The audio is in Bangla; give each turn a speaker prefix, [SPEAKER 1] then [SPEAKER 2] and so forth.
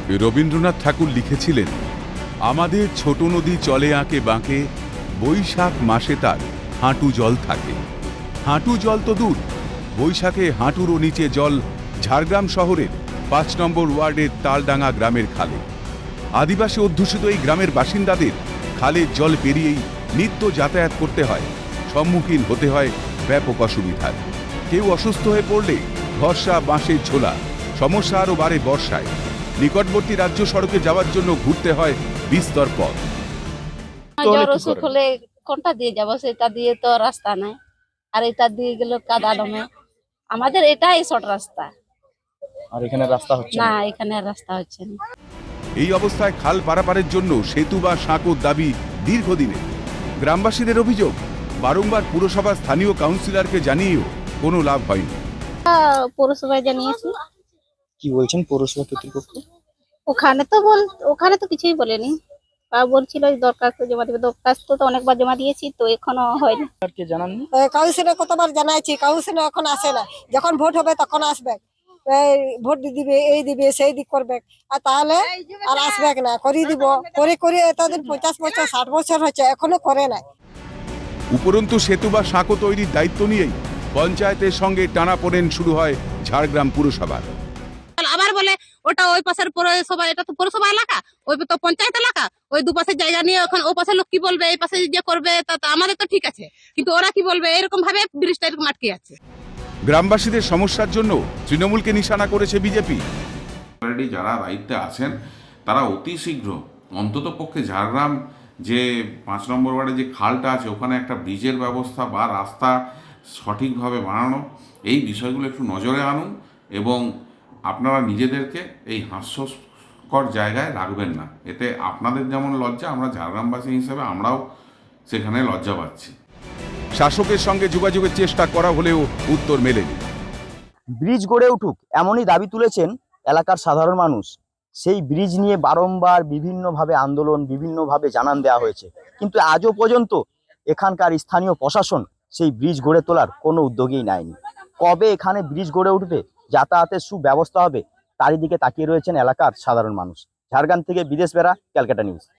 [SPEAKER 1] রবীন্দ্রনাথ ঠাকুর লিখেছিলেন, আমাদের ছোট নদী চলে আঁকে বাঁকে, বৈশাখ মাসে তার হাঁটু জল থাকে। হাঁটু জল তো দূর, বৈশাখে হাঁটুরও নিচে জল ঝাড়গ্রাম শহরের ৫ নম্বর ওয়ার্ডের তালডাঙ্গা গ্রামের খালে। আদিবাসী অধ্যুষিত এই গ্রামের বাসিন্দাদের খালের জল পেরিয়েই নিত্য যাতায়াত করতে হয়, সম্মুখীন হতে হয় ব্যাপক অসুবিধার। কেউ অসুস্থ হয়ে পড়লে ভরসা বাঁশের ঝোলা, সমস্যা আরও বাড়ে বর্ষায়। নিকটবর্তী রাজ্য সড়কে যাওয়ার জন্য ঘুরতে হয় বিস্তর পথ।
[SPEAKER 2] জ্বর অসুখ হলে কোনটা দিয়ে যাবো, সেটা দিয়ে তো রাস্তা নাই, আর এটা দিয়ে গেল কাদা দমে। আমাদের এটাই শর্ট রাস্তা,
[SPEAKER 3] আর এখানে রাস্তা হচ্ছে
[SPEAKER 2] না
[SPEAKER 3] না।
[SPEAKER 2] এখানে আর রাস্তা হচ্ছে না।
[SPEAKER 1] এই অবস্থায় খাল পারাপারের জন্য সেতু বা সাঁকোর দাবি দীর্ঘদিনের। গ্রামবাসীদের অভিযোগ, বারংবার পুরসভা স্থানীয় কাউন্সিলরকে জানিয়েও কোনো লাভ হয়নি।
[SPEAKER 2] পৌরসভায় জানিয়েছি,
[SPEAKER 3] কি বলছেন পৌরসভা কর্তৃপক্ষ?
[SPEAKER 2] ওখানে তো কিছুই বলেনি। বলছিল দরখাস্ত জমা দেবে, দরখাস্ত তো অনেকবার জমা দিয়েছি, তো এখনো হয়নি।
[SPEAKER 3] কে জানাননি?
[SPEAKER 4] কাউন্সিলর কতবার জানাইছি, কাউন্সিলর এখন আসে না। যখন ভোট হবে তখন আসবে, এই ভোট দিবে, এই দিবে, সেই দিক করবে, আর তাহলে আর আসবে না। করিয়ে দিব, করে করে এতদিন 50 বছর 60 বছর হচ্ছে, এখনো করে নাই।
[SPEAKER 1] উপরন্তু সেতু বা সাঁকো তৈরির দায়িত্ব নিয়েই পঞ্চায়েতের সঙ্গে টানাপোড়েন শুরু হয় ঝাড়গ্রাম পুরসভার।
[SPEAKER 5] আবার বলে ওটা ওই পাশের পৌরসভা, এটা তো পৌরসভা এলাকা, ওই তো পঞ্চায়েত এলাকা, ওই দুপাশের জায়গা নিয়ে ওখানে ও পাশের লোক কি বলবে, এই পাশে যে করবে তা আমাদের তো ঠিক আছে, কিন্তু ওরা কি বলবে, এরকম ভাবে ব্রিজটা এরকম আটকে আছে।
[SPEAKER 1] গ্রামবাসীদের সমস্যার জন্য তৃণমূলকে নিশানা করেছে বিজেপি।
[SPEAKER 6] অলরেডি যারা দায়িত্বে আছেন তারা অতি শীঘ্র অন্তত পক্ষে ঝাড়গ্রাম যে ৫ নম্বর ওয়ার্ডে যে খালটা আছে ওখানে একটা ব্রিজের ব্যবস্থা বা রাস্তা সঠিকভাবে বানানো, এই বিষয়গুলো একটু নজরে আনুন এবং আপনারা নিজেদেরকে এই হাস্যকর জায়গায় রাখবেন না। এতে আপনাদের যেমন লজ্জা, আমরা ঝাড়গ্রামবাসী হিসেবে আমরাও সেখানে লজ্জা পাচ্ছি।
[SPEAKER 1] শাসকের সঙ্গে যোগাযোগের চেষ্টা করা হলেও উত্তর মেলেনি।
[SPEAKER 7] ব্রিজ গড়ে উঠুক এমনই দাবি তুলেছেন এলাকার সাধারণ মানুষ। সেই ব্রিজ নিয়ে বারংবার বিভিন্নভাবে আন্দোলন, বিভিন্নভাবে জানান দেওয়া হয়েছে, কিন্তু আজও পর্যন্ত এখানকার স্থানীয় প্রশাসন সেই ব্রিজ গড়ে তোলার কোনো উদ্যোগই নেয়নি। কবে এখানে ব্রিজ গড়ে উঠবে, যাতায়াতের সুব্যবস্থা হবে, তারই দিকে তাকিয়ে রয়েছেন এলাকার সাধারণ মানুষ। ঝাড়গ্রাম থেকে বিদেশ বেরা, ক্যালকাটা নিউজ।